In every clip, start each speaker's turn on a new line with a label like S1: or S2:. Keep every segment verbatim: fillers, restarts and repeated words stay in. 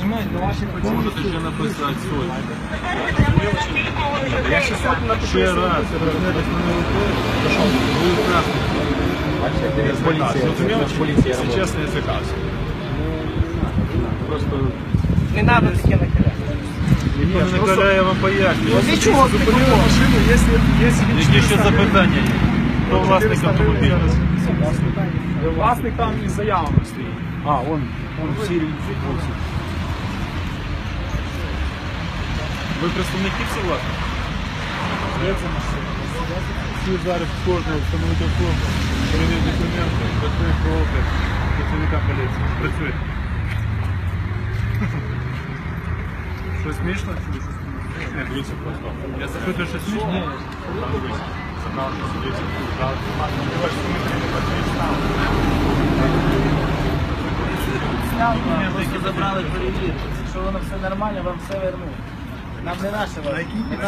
S1: на ваші працівники.
S2: Можете ще написати сотню.
S1: Я ще сотню напишу.
S2: Ще раз, розглядати мене рукою, то що ви красний.
S1: Поліція.
S2: Якщо чесно, я цікався. Просто...
S1: Не треба таке накидати.
S2: Ніхто не накаляє, я вам пояснюю.
S1: Ну, для чого зупинили машину, якщо є...
S2: Які ще запитання є? Хто власник автомобіля?
S1: Власник там із заявами стоїть.
S2: А, вон, вон в Сирії. Ви представники всі власні? Всі зараз кожного встановити форму, перевірити документи, працює проти працівника поліції. Працює. Що смішно? Не, дивіться просто. Я запитую, що смішно? Ні. Забрали, що судиться.
S3: Документи забрали, перевірити. Якщо воно все нормально, вам все вернуть. Нам не наше вас.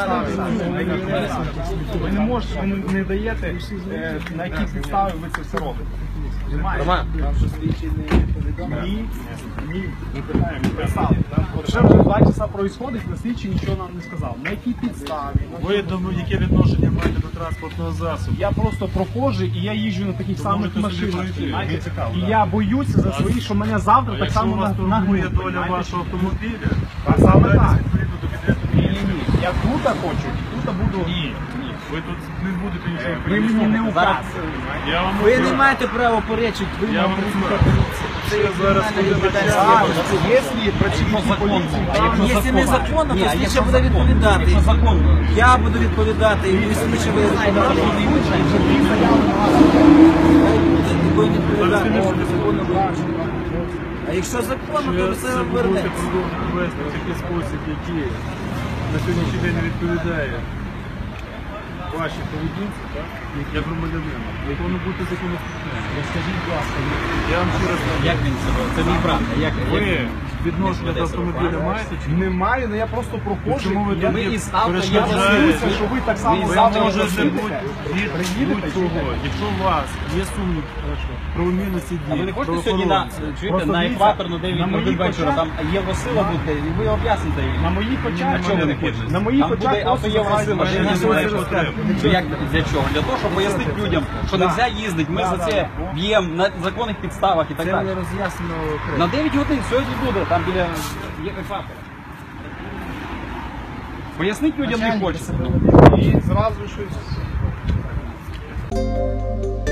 S1: Ви не можете, ви не даєте, е, на якій підставі ви це все робите.
S3: Роман, вам що слідчі не повідомили?
S1: Ні, ні, ми питаємо, ми писали. Ще вже два часа проїсходить, на слідчі нічого нам не сказав. На якій підставі?
S2: Ви думаю, яке відношення маєте до транспортного засобу?
S1: Я просто проходжу і я їжджу на таких самих
S2: можете собі
S1: машинах.
S2: пройти.
S1: знаєте.
S2: Мені цікаво,
S1: І
S2: так.
S1: я боюся за свої, що мене завтра
S2: А
S1: так
S2: якщо
S1: само
S2: у вас
S1: на-
S2: турбує
S1: нагнуть.
S2: доля вашого автомобіля,
S1: Так саме так.
S2: відповідно до підряду.
S1: Ні, ні, ні. Я тут хочу, і тут буду.
S2: Ні, ні. Ви тут не будете нічого
S1: Ви мені не
S3: Зараз-
S1: указуєте.
S2: Я вам
S3: Ви
S2: кажу.
S3: не маєте права поречити, ви
S2: Я
S3: нам
S2: вам
S3: працівника
S2: скажу.
S3: поліції. Це
S2: Я
S3: є
S2: зараз
S3: кримінальна
S2: буду
S3: відповідальність.
S1: Так, якщо працівники поліції,
S3: А якщо незаконно, то слідче
S1: якщо
S3: буде відповідати.
S1: Якщо законно.
S3: Я буду відповідати, і слідче буде відповідати. Такої не відповідати, незаконно вилучено. А якщо законно,
S2: Що
S3: то
S2: я
S3: все
S2: це будете
S3: обернеться.
S2: продовжувати вести в такий спосіб, який на сьогоднішній день не відповідає вашій поведінці, так? Як я громадянина, повинно бути законослухняним.
S1: Скажіть, будь ласка,
S2: Я вам ще раз кажу,
S3: Як він себе? Це мій брат. Як
S2: ви відношення до автомобіля маєте чи ні?
S1: немає, але я просто проходжу.
S2: Чому ви
S1: і
S2: тоді
S1: я із авто, я
S2: перешкоджаєте?
S1: боюся, що ви так само
S2: Ви
S1: завтра
S2: можете
S1: приїдете.
S2: бути від
S1: Приїдете чи
S2: будь-кого.
S1: ні?
S2: Якщо у вас є сумнів про умільності дій,
S4: А ви не хочете сьогодні на,
S2: правоохоронців,
S4: чуєте,
S1: Просто
S4: на
S1: дивіться,
S4: екваторну
S1: на
S4: дев'ять
S1: моїх
S4: годин вечора,
S1: очах-
S4: там Євросила буде, і ви об'ясните її.
S1: На моїх очах,
S4: Чого ви не хочете?
S1: на моїх
S4: Там
S1: очах
S4: буде
S1: просто
S4: автоєвросила,
S1: забирають
S4: що
S1: машини.
S4: не
S2: немає
S4: знаю,
S2: потреби.
S4: що як для чого? Для того, щоб пояснити людям, що не можна їздити, ми
S1: Да,
S4: за
S1: да,
S4: це
S1: да.
S4: б'ємо на законних підставах і так
S3: Це
S4: далі.
S3: не роз'яснено окремо.
S4: На дев'ять годин сьогодні буде, там біля є екватора. Пояснити людям не хочеться.
S1: І зразу щось.